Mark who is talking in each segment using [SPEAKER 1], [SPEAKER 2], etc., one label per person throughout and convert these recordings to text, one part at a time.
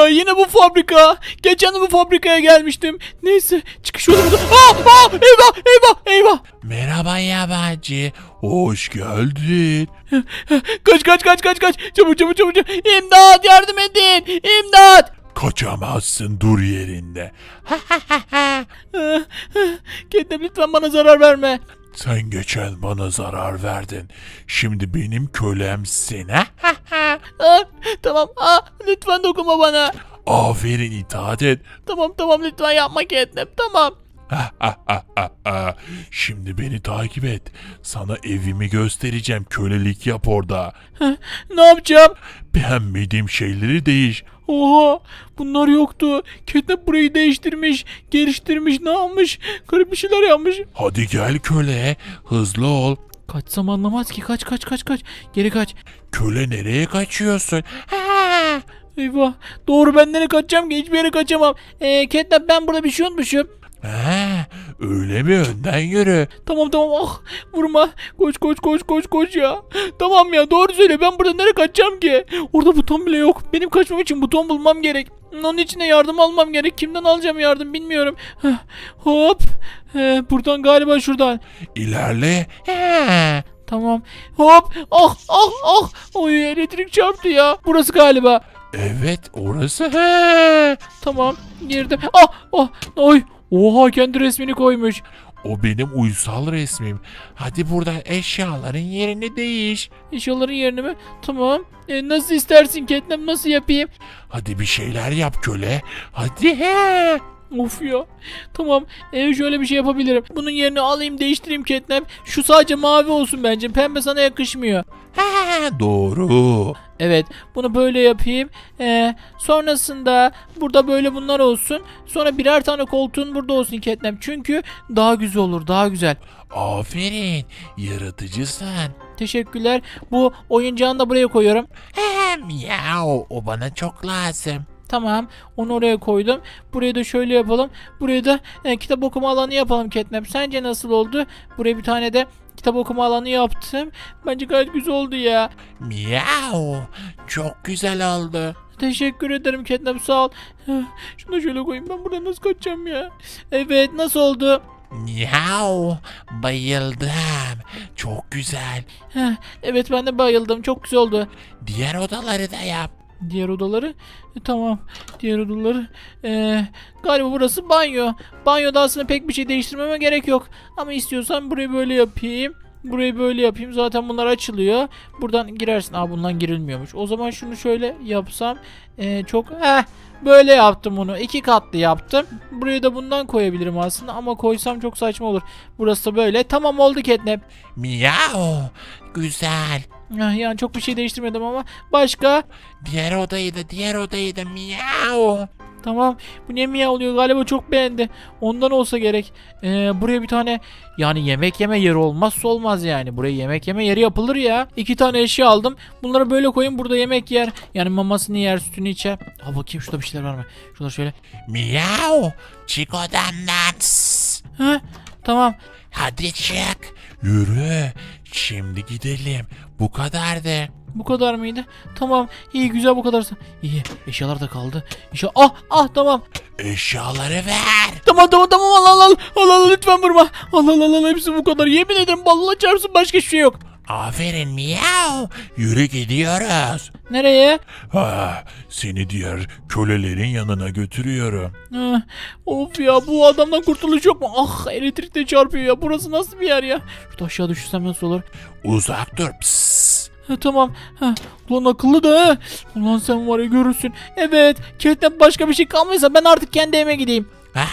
[SPEAKER 1] ya, yine bu fabrika. Geçen de bu fabrikaya gelmiştim. Neyse, çıkış yolu burada. Eyvah eyvah eyvah.
[SPEAKER 2] Merhaba yabancı. Hoş geldin.
[SPEAKER 1] Kaç. Çabuk. İmdat, yardım edin. İmdat.
[SPEAKER 2] Kaçamazsın, dur yerinde.
[SPEAKER 1] Catnap, lütfen bana zarar verme.
[SPEAKER 2] Sen geçen bana zarar verdin. Şimdi benim kölemsin.
[SPEAKER 1] Tamam. Lütfen dokunma bana.
[SPEAKER 2] Aferin, itaat et.
[SPEAKER 1] Tamam, lütfen yapma Catnap, tamam.
[SPEAKER 2] Şimdi beni takip et. Sana evimi göstereceğim. Kölelik yap orada.
[SPEAKER 1] Ne yapacağım?
[SPEAKER 2] Beğenmediğim şeyleri değiş.
[SPEAKER 1] Oha, bunlar yoktu. Catnap burayı değiştirmiş, geliştirmiş, ne yapmış? Garip bir şeyler yapmış.
[SPEAKER 2] Hadi gel köle. Hızlı ol.
[SPEAKER 1] Kaçsam anlamaz ki. Kaç. Geri kaç.
[SPEAKER 2] Köle, nereye kaçıyorsun?
[SPEAKER 1] Eyvah. Doğru, ben nereye kaçacağım ki? Hiçbir yere kaçamam. Catnap, ben burada bir şey unutmuşum.
[SPEAKER 2] Öyle mi? Önden yürü.
[SPEAKER 1] Tamam. Vurma. Koş ya. Tamam ya, doğru söyle, ben burada nereye kaçacağım ki? Orada buton bile yok. Benim kaçmam için buton bulmam gerek. Onun için de yardım almam gerek. Kimden alacağım yardım bilmiyorum. Hop. Buradan galiba, şuradan.
[SPEAKER 2] İlerle.
[SPEAKER 1] Tamam. Hop. Oy, elektrik çarptı ya. Burası galiba.
[SPEAKER 2] Evet, orası.
[SPEAKER 1] Tamam. Girdim. Oy. Oha, kendi resmini koymuş.
[SPEAKER 2] O benim uysal resmim. Hadi burada eşyaların yerini değiş.
[SPEAKER 1] Eşyaların yerini mi? Tamam. Nasıl istersin Catnap, nasıl yapayım?
[SPEAKER 2] Hadi bir şeyler yap köle. Hadi.
[SPEAKER 1] Of ya. Tamam. Şöyle bir şey yapabilirim. Bunun yerini alayım, değiştireyim Catnap. Şu sadece mavi olsun bence. Pembe sana yakışmıyor.
[SPEAKER 2] Doğru.
[SPEAKER 1] Evet. Bunu böyle yapayım. Sonrasında burada böyle bunlar olsun. Sonra birer tane koltuğun burada olsun Catnap. Çünkü daha güzel olur. Daha güzel.
[SPEAKER 2] Aferin. Yaratıcısın.
[SPEAKER 1] Teşekkürler. Bu oyuncağını da buraya koyuyorum.
[SPEAKER 2] Miau. O bana çok lazım.
[SPEAKER 1] Tamam. Onu oraya koydum. Burayı da şöyle yapalım. Burayı da kitap okuma alanı yapalım Catnap. Sence nasıl oldu? Buraya bir tane de kitap okuma alanı yaptım. Bence gayet güzel oldu ya.
[SPEAKER 2] Miau. Çok güzel oldu.
[SPEAKER 1] Teşekkür ederim Catnap, sağ ol. Şunu da şöyle koyayım. Ben buradan nasıl kaçacağım ya? Evet, nasıl oldu?
[SPEAKER 2] Miau. Bayıldım. Çok güzel.
[SPEAKER 1] Evet, ben de bayıldım. Çok güzel oldu.
[SPEAKER 2] Diğer odaları da yap.
[SPEAKER 1] Diğer odaları? Tamam. Diğer odaları. Galiba burası banyo. Banyoda aslında pek bir şey değiştirmeme gerek yok. Ama istiyorsan burayı böyle yapayım. Burayı böyle yapayım. Zaten bunlar açılıyor. Buradan girersin. Bundan girilmiyormuş. O zaman şunu şöyle yapsam. Böyle yaptım bunu. 2 katlı yaptım. Buraya da bundan koyabilirim aslında. Ama koysam çok saçma olur. Burası da böyle. Tamam, oldu Catnap.
[SPEAKER 2] Miau. Güzel.
[SPEAKER 1] Yani çok bir şey değiştirmedim ama. Başka?
[SPEAKER 2] Diğer odayı da miau.
[SPEAKER 1] Tamam. Bu ne miyav oluyor? Galiba çok beğendi. Ondan olsa gerek. Buraya bir tane, yani yemek yeme yeri olmazsa olmaz yani. Buraya yemek yeme yeri yapılır ya. 2 tane eşya aldım. Bunları böyle koyun, burada yemek yer. Yani mamasını yer, sütünü içer. Bakayım şurada bir şeyler var mı? Şurada şöyle.
[SPEAKER 2] Miau. Çık odamdan.
[SPEAKER 1] Tamam.
[SPEAKER 2] Hadi çık. Yürü. Şimdi gidelim. Bu kadardı.
[SPEAKER 1] Bu kadar mıydı? Tamam. İyi, güzel, bu kadarsa. İyi. Eşyalar da kaldı. Tamam.
[SPEAKER 2] Eşyaları ver.
[SPEAKER 1] Tamam. Al, lütfen vurma. Al, hepsi bu kadar. Yemin ederim, Allah çarpsın, başka hiçbir şey yok.
[SPEAKER 2] Aferin miau. Yürü, gidiyoruz.
[SPEAKER 1] Nereye?
[SPEAKER 2] Seni diğer kölelerin yanına götürüyorum.
[SPEAKER 1] Of ya, bu adamdan kurtuluş yok mu? Elektrik de çarpıyor ya. Burası nasıl bir yer ya? Şurada aşağı düşürsem nasıl olur?
[SPEAKER 2] Uzak dur. Psst.
[SPEAKER 1] Tamam. Ulan akıllı da ha. Ulan sen var ya, görürsün. Evet. Catnap, başka bir şey kalmaysa ben artık kendi evime gideyim.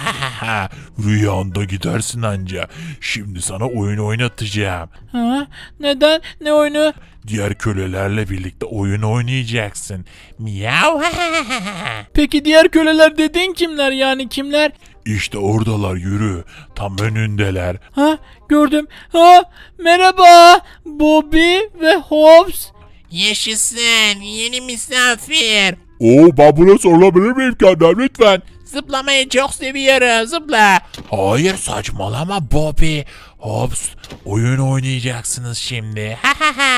[SPEAKER 2] Rüyanda gidersin anca. Şimdi sana oyun oynatacağım.
[SPEAKER 1] Neden? Ne oyunu?
[SPEAKER 2] Diğer kölelerle birlikte oyun oynayacaksın. Miau.
[SPEAKER 1] Peki diğer köleler dediğin kimler, yani kimler?
[SPEAKER 2] İşte oradalar, yürü. Tam önündeler.
[SPEAKER 1] Gördüm. Merhaba. Bobby ve Hobbs.
[SPEAKER 2] Yaşasın yeni misafir.
[SPEAKER 3] Ben buna sorulabilir miyim kendime lütfen?
[SPEAKER 2] Zıplamayı çok seviyorum, zıpla. Hayır, saçmalama Bobby. Hops, oyun oynayacaksınız şimdi.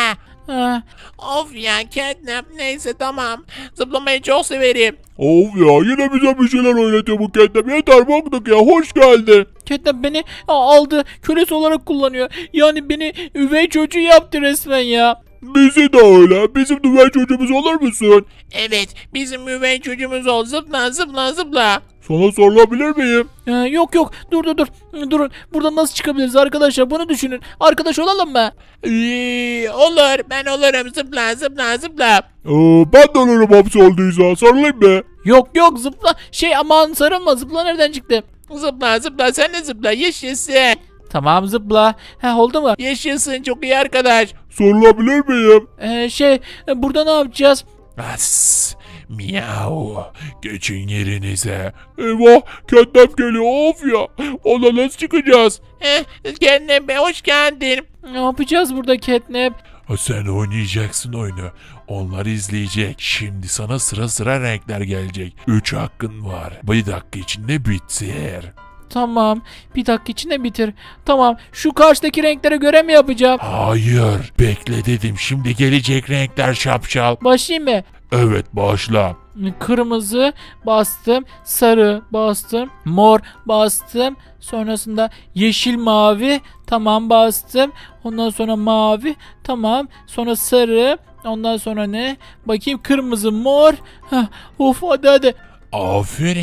[SPEAKER 1] Ha,
[SPEAKER 2] Of ya Catnap, neyse tamam. Zıplamayı çok severim.
[SPEAKER 3] Of ya yine bize bir şeyler oynatıyor bu Catnap. Yeter baktık ya, hoş geldin.
[SPEAKER 1] Catnap beni aldı. Kölesi olarak kullanıyor. Yani beni üvey çocuğu yaptı resmen ya.
[SPEAKER 3] Bizi de öyle. Bizim düven çocuğumuz olur musun?
[SPEAKER 2] Evet, bizim üvey çocuğumuz ol. Zıpla zıpla zıpla.
[SPEAKER 3] Sana sorulabilir miyim?
[SPEAKER 1] Yok yok, dur. Durun. Buradan nasıl çıkabiliriz arkadaşlar? Bunu düşünün. Arkadaş olalım mı?
[SPEAKER 2] Olur, ben olurum. Zıpla zıpla zıpla.
[SPEAKER 3] Ben de olurum hapsi olduysa. Sarılayım mı?
[SPEAKER 1] Yok zıpla. Aman sarılma, zıpla nereden çıktı?
[SPEAKER 2] Zıpla zıpla, sen de zıpla. Yaşasın.
[SPEAKER 1] Tamam zıpla. Oldu mu?
[SPEAKER 2] Yaşasın, çok iyi arkadaş.
[SPEAKER 3] Sorulabilir miyim?
[SPEAKER 1] Burada ne yapacağız?
[SPEAKER 2] As, miau. Geçin yerinize.
[SPEAKER 3] Eyvah, Catnap geliyor. Of ya. Ona nasıl çıkacağız?
[SPEAKER 2] Kendine be, hoş geldin.
[SPEAKER 1] Ne yapacağız burada Catnap?
[SPEAKER 2] Sen oynayacaksın oyunu. Onlar izleyecek. Şimdi sana sıra sıra renkler gelecek. 3 hakkın var. Bir dakika içinde bitir.
[SPEAKER 1] Tamam. Bir dakika içinde bitir. Tamam. Şu karşıdaki renklere göre mi yapacağım?
[SPEAKER 2] Hayır. Bekle dedim. Şimdi gelecek renkler şapşal.
[SPEAKER 1] Başlayayım mı?
[SPEAKER 3] Evet, başla.
[SPEAKER 1] Kırmızı bastım, sarı bastım, mor bastım, sonrasında yeşil mavi, tamam bastım, ondan sonra mavi, tamam, sonra sarı, ondan sonra ne? Bakayım, kırmızı, mor, of hadi.
[SPEAKER 2] Aferin.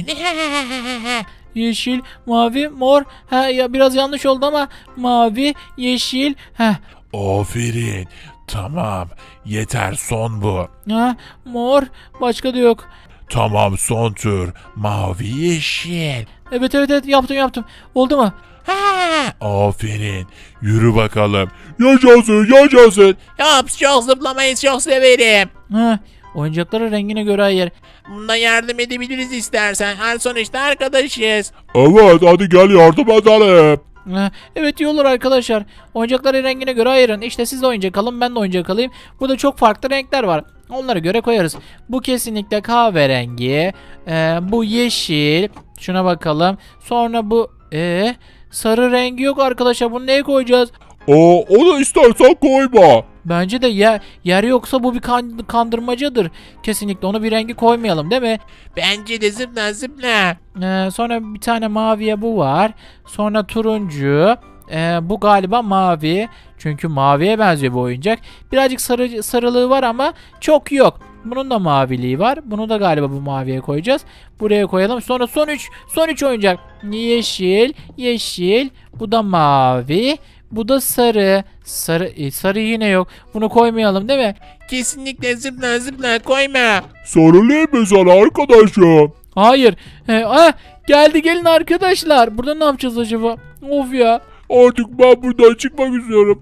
[SPEAKER 1] Yeşil, mavi, mor, ya biraz yanlış oldu ama mavi, yeşil,
[SPEAKER 2] Aferin. Tamam. Yeter, son bu.
[SPEAKER 1] mor, başka da yok.
[SPEAKER 2] Tamam, son tur. Mavi yeşil.
[SPEAKER 1] Evet yaptım. Oldu mu?
[SPEAKER 2] Aferin. Yürü bakalım.
[SPEAKER 3] Yaşasın.
[SPEAKER 2] Yaps, çok zıplamayı çok severim.
[SPEAKER 1] Oyuncakları rengine göre ayır.
[SPEAKER 2] Bunda yardım edebiliriz istersen. Her sonuçta arkadaşız.
[SPEAKER 3] Evet, hadi gel yardım edelim.
[SPEAKER 1] Evet, iyi olur arkadaşlar. Oyuncakları rengine göre ayırın. İşte siz de oyuncak alın, ben de oyuncak alayım. Burada çok farklı renkler var. Onlara göre koyarız. Bu kesinlikle kahverengi. Bu yeşil. Şuna bakalım. Sonra bu sarı rengi yok arkadaşlar. Bunu neye koyacağız?
[SPEAKER 3] Onu istersen koyma.
[SPEAKER 1] Bence de yer yoksa bu bir kandırmacadır. Kesinlikle onu bir rengi koymayalım, değil mi?
[SPEAKER 2] Bence de zıpla zıpla.
[SPEAKER 1] Sonra bir tane maviye bu var. Sonra turuncu. Bu galiba mavi. Çünkü maviye benziyor bu oyuncak. Birazcık sarılığı var ama çok yok. Bunun da maviliği var. Bunu da galiba bu maviye koyacağız. Buraya koyalım. Sonra son üç oyuncak. Yeşil. Bu da mavi. Bu da sarı. Sarı yine yok. Bunu koymayalım, değil mi?
[SPEAKER 2] Kesinlikle zıpla zıpla, koyma.
[SPEAKER 3] Sarılayım mı sana arkadaşım?
[SPEAKER 1] Hayır. Gelin arkadaşlar. Burada ne yapacağız acaba? Of ya.
[SPEAKER 3] Artık ben buradan çıkmak istiyorum.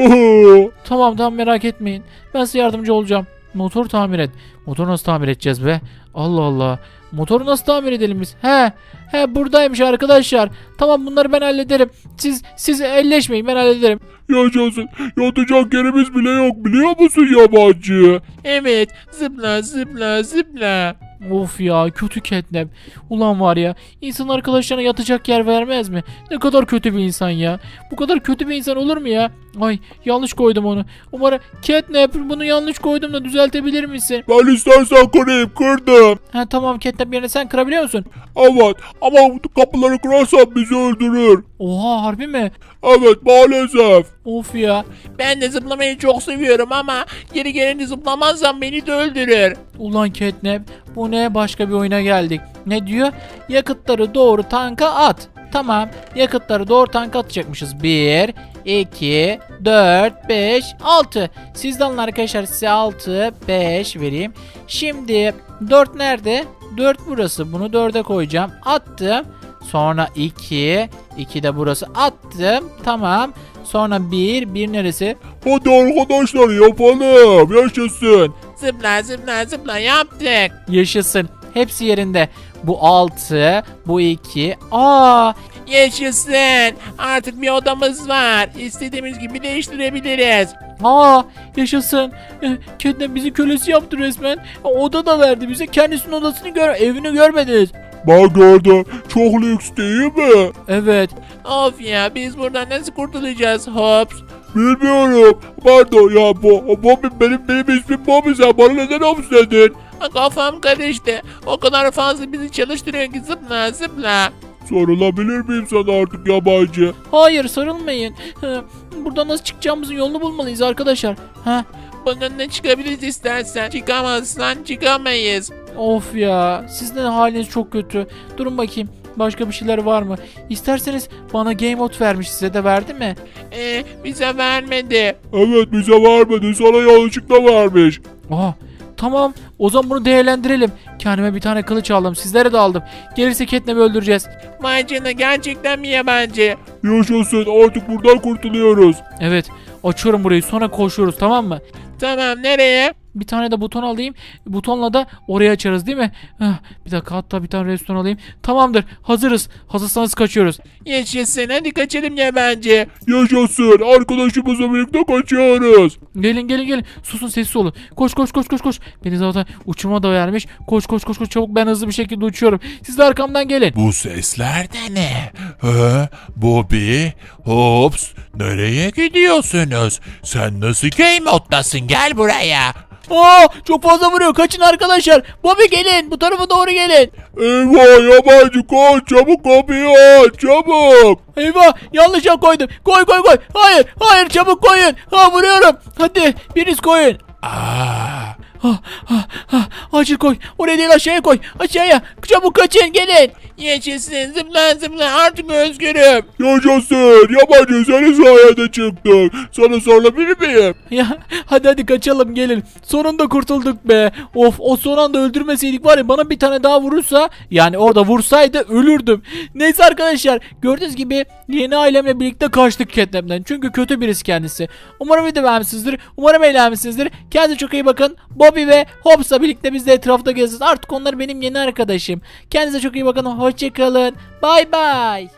[SPEAKER 1] Tamam merak etmeyin. Ben size yardımcı olacağım. Motor tamir et. Motoru nasıl tamir edeceğiz be? Allah Allah. Motoru nasıl tamir edelim biz? Buradaymış arkadaşlar. Tamam, bunları ben hallederim. Siz elleşmeyin, ben hallederim.
[SPEAKER 3] Yaşasın. Yatacak yerimiz bile yok, biliyor musun yabancı?
[SPEAKER 2] Evet, zıpla zıpla zıpla.
[SPEAKER 1] Of ya, kötü Catnap. Ulan var ya, insan arkadaşlarına yatacak yer vermez mi? Ne kadar kötü bir insan ya. Bu kadar kötü bir insan olur mu ya? Ay, yanlış koydum onu. Umarım Catnap, bunu yanlış koydum da düzeltebilir misin?
[SPEAKER 3] Ben istersen kırayım, kırdım.
[SPEAKER 1] Tamam Catnap, yerine sen kırabiliyor musun?
[SPEAKER 3] Evet, ama kapıları kırarsan bizi öldürür.
[SPEAKER 1] Oha, harbi mi?
[SPEAKER 3] Evet, maalesef.
[SPEAKER 1] Of ya.
[SPEAKER 2] Ben de zıplamayı çok seviyorum ama geri gelince zıplamazsam beni de öldürür.
[SPEAKER 1] Ulan Catnap, bu ne, başka bir oyuna geldik. Ne diyor? Yakıtları doğru tanka at. Tamam, yakıtları doğru tanka atacakmışız. 1, 2, 4, 5, 6. Sizden alın arkadaşlar, size 6, 5 vereyim. Şimdi 4 nerede? 4 burası. Bunu 4'e koyacağım. Attım. Sonra 2, 2 de burası. Attım. Tamam. Sonra 1 neresi?
[SPEAKER 3] Hadi arkadaşlar yapalım. Yaşasın.
[SPEAKER 2] Zıpla zıpla zıpla, yaptık.
[SPEAKER 1] Yaşasın. Hepsi yerinde. Bu 6, bu 2.
[SPEAKER 2] Yaşasın. Artık bir odamız var. İstediğimiz gibi değiştirebiliriz.
[SPEAKER 1] Yaşasın. Catnap bizi kölesi yaptı resmen. Oda da verdi bize. Kendisinin odasını evini görmediniz.
[SPEAKER 3] Ben gördüm. Çok lüks değil mi?
[SPEAKER 1] Evet.
[SPEAKER 2] Of ya, biz buradan nasıl kurtulacağız? Hops.
[SPEAKER 3] Bilmiyorum. Pardon ya Bobby benim ismim Bobby, sen bana neden Hobbs dedin?
[SPEAKER 4] Kafam karıştı. O kadar fazla bizi çalıştırıyor ki zıpla zıpla.
[SPEAKER 3] Sorulabilir miyim sana artık yabancı?
[SPEAKER 1] Hayır, sarılmayın. Buradan nasıl çıkacağımızın yolunu bulmalıyız arkadaşlar. Ha?
[SPEAKER 4] Bunun ne çıkabiliriz istersen. Çıkamazsan çıkamayız.
[SPEAKER 1] Of ya, sizin haliniz çok kötü. Durun bakayım, başka bir şeyler var mı? İsterseniz bana game mode vermiş, size de verdi mi?
[SPEAKER 4] Bize vermedi.
[SPEAKER 3] Evet, bize vermedi, sana yanlışlıkla vermiş.
[SPEAKER 1] Aha, tamam, o zaman bunu değerlendirelim. Kendime bir tane kılıç aldım, sizlere de aldım. Gelirse Catnap'i öldüreceğiz.
[SPEAKER 4] Vay canına, gerçekten mi yabancı?
[SPEAKER 3] Yaşasın, artık buradan kurtuluyoruz.
[SPEAKER 1] Evet, açıyorum burayı, sonra koşuyoruz, tamam mı?
[SPEAKER 4] Tamam, nereye?
[SPEAKER 1] Bir tane de buton alayım. Butonla da oraya açarız değil mi? Bir dakika, hatta bir tane restoran alayım. Tamamdır, hazırız. Hazırsanız kaçıyoruz.
[SPEAKER 4] Yaşasın, hadi kaçalım yabancı.
[SPEAKER 3] Yaşasın, arkadaşımızla birlikte kaçıyoruz.
[SPEAKER 1] Gelin gelin gelin. Susun, sessiz olun. Koş koş koş koş koş. Beni zaten uçurma da vermiş. Koş koş koş koş, çabuk, ben hızlı bir şekilde uçuyorum. Siz de arkamdan gelin.
[SPEAKER 2] Bu sesler de ne? Bobby, Hobbs, nereye gidiyorsunuz? Sen nasıl game moddasın? Gel buraya.
[SPEAKER 1] Çok fazla vuruyor. Kaçın arkadaşlar. Bobby, gelin. Bu tarafa doğru gelin.
[SPEAKER 3] Eyvah, yabancı koş, çabuk kapıyı aç, çabuk.
[SPEAKER 1] Eyvah, yanlış yer koydum. Koy koy koy. Hayır hayır, çabuk koyun. Vuruyorum. Hadi biriniz koyun. Acil koy. Oraya değil, aşağıya koy. Aşağıya. Çabuk kaçın, gelin.
[SPEAKER 4] Yaşasın, zıpla zıpla, artık özgürüm.
[SPEAKER 3] Yaşasın, yabancı senin sayende çıktık. Sana sorulabilir miyim?
[SPEAKER 1] Ya hadi kaçalım, gelin. Sonunda kurtulduk be. Of, o son anda öldürmeseydik var ya, bana bir tane daha vurursa, yani orada vursaydı ölürdüm. Neyse arkadaşlar, gördüğünüz gibi yeni ailemle birlikte kaçtık Catnap'ten. Çünkü kötü birisi kendisi. Umarım video beğenmişsinizdir. Umarım eğlenmişsinizdir. Kendinize çok iyi bakın. Bobby ve Hobbs'la birlikte biz de etrafta gezeceğiz. Artık onlar benim yeni arkadaşım. Kendinize çok iyi bakın. Hoşçakalın. Bay bay.